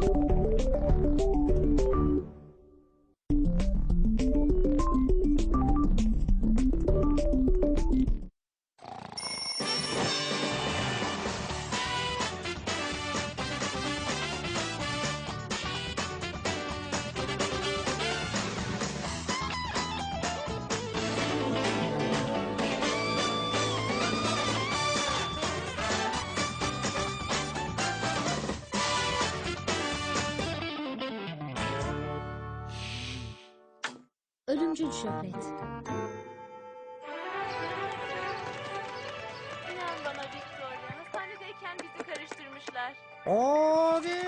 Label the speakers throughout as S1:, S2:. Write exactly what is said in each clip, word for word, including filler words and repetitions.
S1: Ölümcül şöhret.
S2: İnan bana Victoria, hastanedeyken bizi karıştırmışlar.
S3: Odi!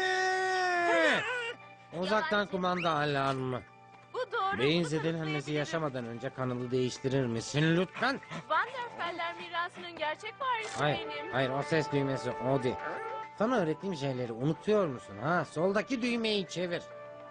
S3: Uzaktan kumanda alarmı.
S2: Bu doğru.
S3: Beyin
S2: Bu
S3: zedelenmesi
S2: tarafı
S3: yaşamadan önce kanalı değiştirir misin lütfen?
S2: Van der Feller mirasının gerçek varisi
S3: Hayır,
S2: benim.
S3: hayır o ses düğmesi Odi. Sana öğrettiğim şeyleri unutuyor musun ha? Soldaki düğmeyi çevir.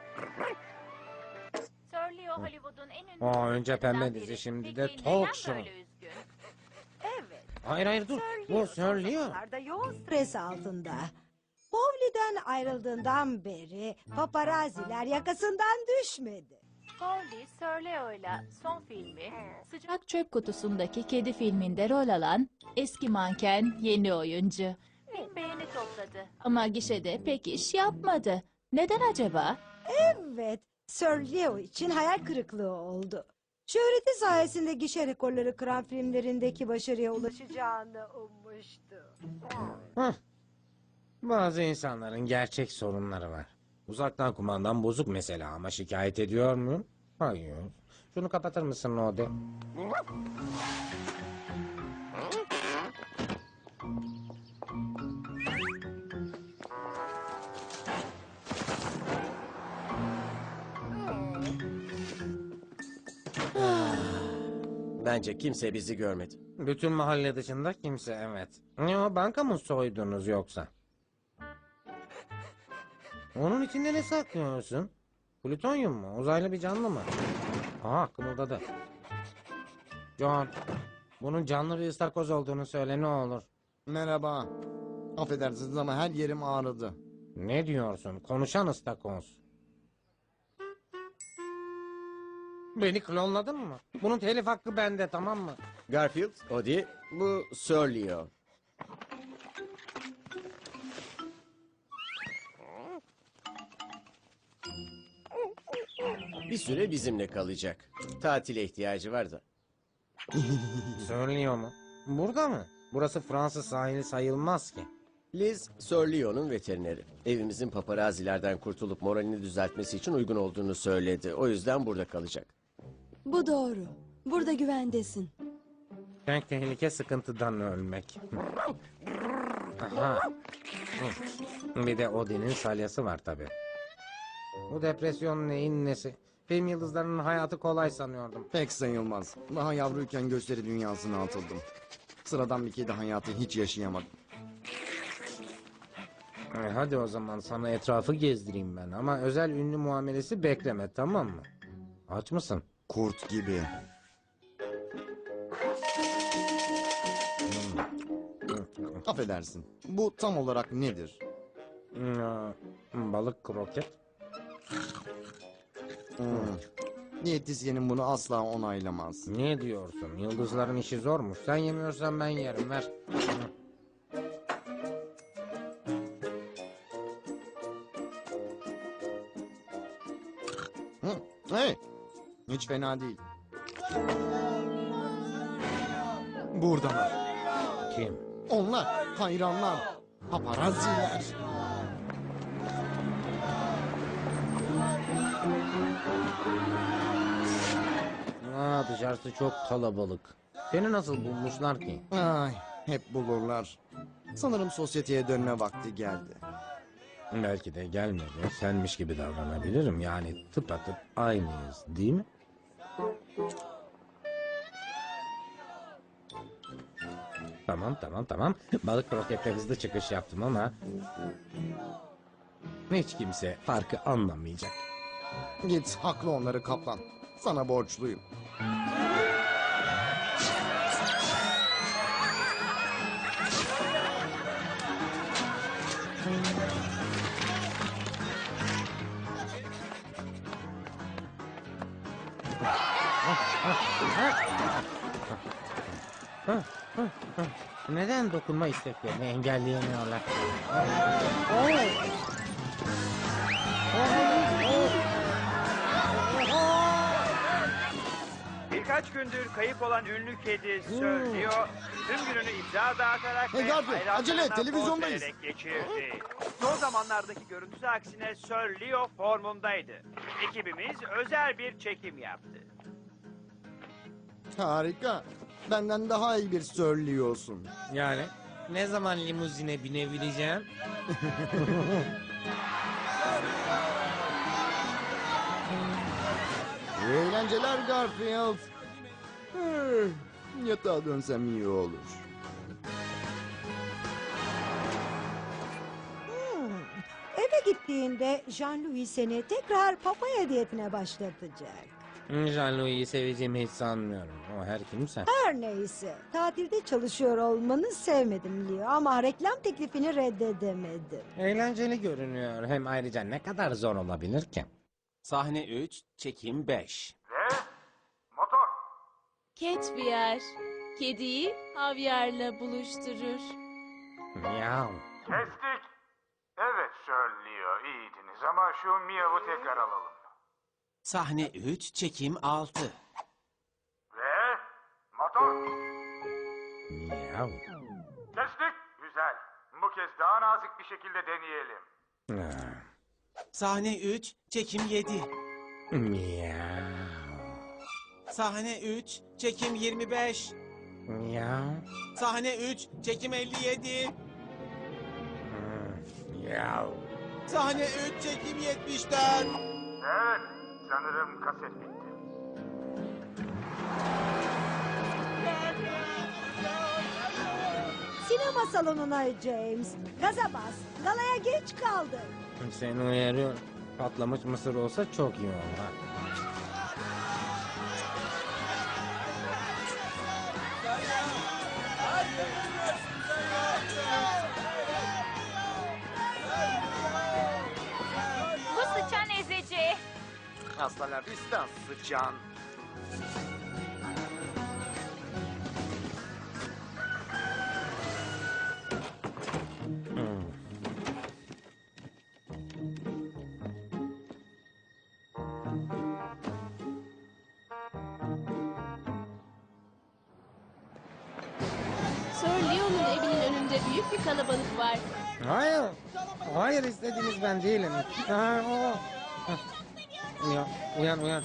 S2: Sir Leo Hollywood'un en ünlü...
S3: Aa, önce pembe
S2: oyuncularından
S3: dizi,
S2: biri.
S3: şimdi
S2: Peki
S3: de
S2: neden
S3: talk show.
S2: böyle üzgün?
S4: Evet.
S3: Hayır hayır dur. Bu söylüyor.
S4: Zamanlarda yoğun stres altında. Powley'den ayrıldığından beri paparaziler yakasından düşmedi.
S2: Pauli, Sir Leo'yla son filmi sıcak...
S5: Bak Çöp Kutusu'ndaki kedi filminde rol alan eski manken yeni oyuncu.
S2: bin beğeni topladı.
S5: Ama gişede pek iş yapmadı. Neden acaba?
S4: Evet, Sir Leo için hayal kırıklığı oldu. Şöhreti sayesinde gişe rekorları kıran filmlerindeki başarıya ulaşacağını ummuştu.
S3: Hah. Bazı insanların gerçek sorunları var. Uzaktan kumandan bozuk mesela ama şikayet ediyor muyum? Hayır. Şunu kapatır mısın Odi?
S6: Bence kimse bizi görmedi.
S3: Bütün mahalle dışında kimse evet. Ne o banka mı soydunuz yoksa? Onun içinde ne saklıyorsun? Plütonyum mu? Uzaylı bir canlı mı? Aha kımıldadı. John, bunun canlı bir ıstakoz olduğunu söyle ne olur.
S7: Merhaba. Affedersiniz ama her yerim ağrıdı.
S3: Ne diyorsun? Konuşan ıstakoz. Beni klonladın mı? Bunun telif hakkı bende tamam mı?
S6: Garfield, Odie, bu Sir Leo. Bir süre bizimle kalacak. Tatile ihtiyacı var da.
S3: Söylüyor mu? Burada mı? Burası Fransız sahili sayılmaz ki.
S6: Liz, Sir Leo'nun veterineri. Evimizin paparazilerden kurtulup moralini düzeltmesi için uygun olduğunu söyledi. O yüzden burada kalacak.
S8: Bu doğru. Burada güvendesin.
S3: Tek tehlike sıkıntıdan ölmek. Aha. Bir de Odin'in salyası var tabi. Bu depresyon neyin nesi? Film yıldızlarının hayatı kolay sanıyordum.
S7: Pek sayılmaz. Daha yavruyken gösteri dünyasına atıldım. Sıradan bir kedi hayatı hiç yaşayamadım.
S3: E, hadi o zaman sana etrafı gezdireyim ben. Ama özel ünlü muamelesi bekleme tamam mı? Aç mısın?
S7: Kurt gibi. Affedersin. Bu tam olarak nedir?
S3: Hmm, balık kroket.
S7: Hmm. Diyetisyenin bunu asla onaylamaz.
S3: Ne diyorsun? Yıldızların işi zormuş. Sen yemiyorsan ben yerim ver.
S7: Hı. Hey, hiç fena değil. Buradalar.
S3: Kim?
S7: Onlar hayranlar. Paparaziler.
S3: Aa, dışarısı çok kalabalık. Seni nasıl bulmuşlar ki?
S7: Ay, hep bulurlar. Sanırım sosyeteye dönme vakti geldi.
S3: Belki de gelmedi. Senmiş gibi davranabilirim. Yani tıpatıp aynıyız değil mi? Tamam tamam tamam. Balık krokette hızlı çıkış yaptım ama... hiç kimse farkı anlamayacak.
S7: Git haklı onları kaplan. Sana borçluyum.
S3: Neden dokunma isteklerini engelleyemiyorlar?
S9: Birkaç gündür kayıp olan ünlü kedi söylüyor. Tüm gününü imza dağıtarak
S7: Hey
S9: ve
S7: Garfield,
S9: hayranlarına
S7: acele et,
S9: poz
S7: televizyondayız.
S9: vererek geçirdi. Son zamanlardaki görüntüsü aksine Sir Leo formundaydı. Ekibimiz özel bir çekim yaptı.
S7: Harika. Benden daha iyi bir söylüyorsun.
S3: Yani ne zaman limuzine binebileceğim?
S7: İyi eğlenceler Garfield. Eh, Yatağa dönsem iyi olur.
S4: Hmm. Eve gittiğinde Jean-Louis seni tekrar papaya diyetine başlatacak.
S3: Jean-Louis'i seveceğimi hiç sanmıyorum. O her kimse.
S4: Her neyse. Tatilde çalışıyor olmanı sevmedim Leo ama reklam teklifini reddedemedim.
S3: Eğlenceli görünüyor. Hem ayrıca ne kadar zor olabilir ki?
S6: Sahne üç, çekim beş.
S5: Catviar, kediyi havyarla buluşturur.
S3: Miau.
S10: Kestik. Evet Sir Leo iyiydiniz ama şu miyavı tekrar alalım.
S6: Sahne üç, çekim altı.
S10: Ve motor.
S3: Miau.
S10: Kestik. Güzel. Bu kez daha nazik bir şekilde deneyelim.
S3: Ah.
S6: Sahne üç, çekim yedi.
S3: Miau.
S6: Sahne üç, çekim yirmi beş.
S3: Miau.
S6: Sahne üç, çekim elli yedi.
S3: Hmm, Miau.
S6: Sahne üç, çekim yetmiş dört.
S10: Evet. Sanırım kaset bitti.
S4: Sinema salonuna James. Gaza bas. Galaya geç kaldı.
S3: Seni uyarıyorum. Patlamış mısır olsa çok iyi olur. ha.
S2: Bu sıçan ezici.
S10: Hasta la vista sıçan.
S3: Hmm.
S5: Sir Leo'nun evinin önünde büyük bir kalabalık var.
S3: Hayır. Hayır istediğiniz ben değilim. Ha, o. Ha. Uyan, uyan, uyan.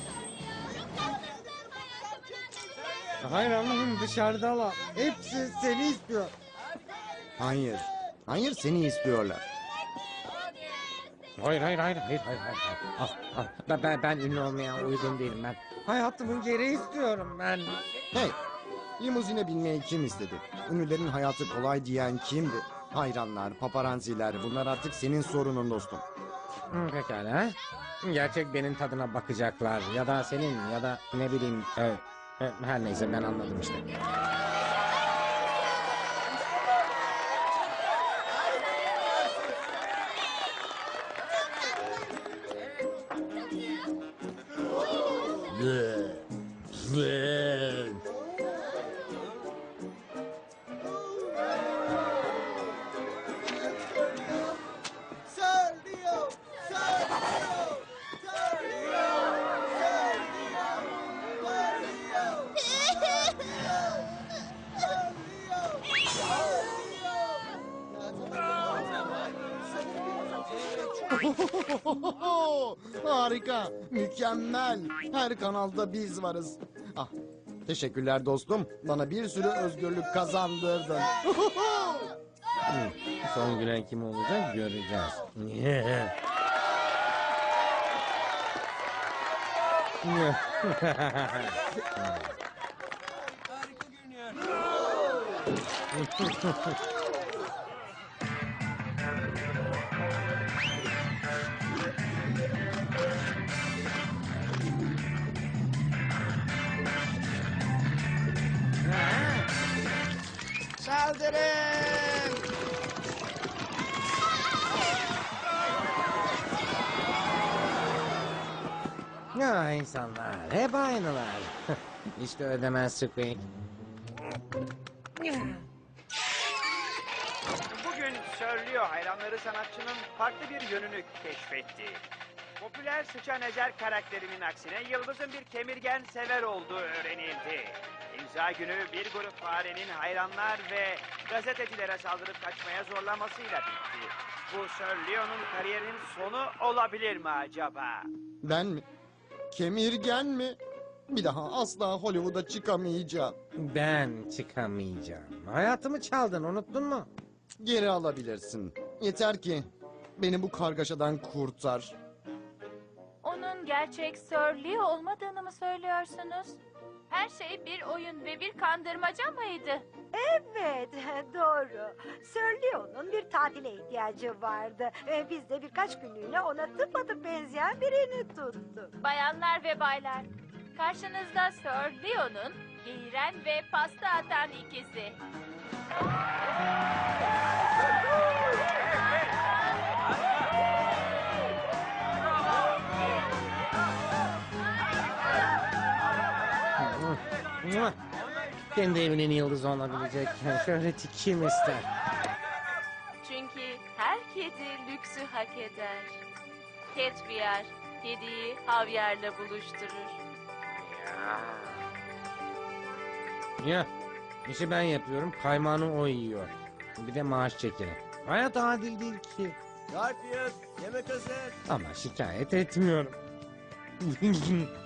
S3: Hayır Allah'ım dışarıdalar. Hepsi seni istiyor.
S7: Hayır. Hayır seni istiyorlar.
S3: Hayır, hayır, hayır, hayır, hayır, hayır. Ah, ah. Ben, ben, ben ünlü olmaya uygun değilim ben. Hayatımın geri istiyorum ben.
S7: Hey. Limuzine binmeyi kim istedi? Ünlülerin hayatı kolay diyen kimdi? Hayranlar, paparazziler bunlar artık senin sorunun dostum.
S3: Hı, pekala. Gerçek benim tadına bakacaklar. Ya da senin ya da ne bileyim. E, e, her neyse ben anladım işte.
S7: Harika, mükemmel. Her kanalda biz varız. Ah, teşekkürler dostum. Bana bir sürü özgürlük kazandırdın.
S3: Hı, son gülen kim olacak göreceğiz.
S7: Saldırın!
S3: Ya insanlar hep aynılar. İşte ödemez Squeak.
S9: Bugün Sir Leo hayranları sanatçının farklı bir yönünü keşfetti. Popüler sıçan ezer karakterinin aksine Yıldız'ın bir kemirgen sever olduğu öğrenildi. İmza günü bir grup farenin hayranlar ve gazetecilere saldırıp kaçmaya zorlamasıyla bitti. Bu Sir Leo'nun kariyerinin sonu olabilir mi acaba?
S7: Ben mi? Kemirgen mi? Bir daha asla Hollywood'a çıkamayacağım.
S3: Ben çıkamayacağım. Hayatımı çaldın, unuttun mu?
S7: Geri alabilirsin. Yeter ki beni bu kargaşadan kurtar.
S5: Onun gerçek Sir Leo olmadığını mı söylüyorsunuz? Her şey bir oyun ve bir kandırmaca mıydı?
S4: Evet, doğru. Sir Leo'nun bir tatile ihtiyacı vardı. Ve biz de birkaç günlüğüne ona tıpatıp benzeyen birini tuttuk.
S5: Bayanlar ve baylar, karşınızda Sir Leo'nun geğiren ve pasta atan ikizi.
S3: Mua! Kendi evinin yıldızı olabilecek şöhreti kim ister?
S2: Çünkü her kedi lüksü hak eder. Catviar, kediyi havyarla buluşturur.
S3: Ya, işi ben yapıyorum, kaymağını o yiyor. Bir de maaş çekini. Hayat adil değil ki.
S6: Garfield, yemek hazır.
S3: Ama şikayet etmiyorum.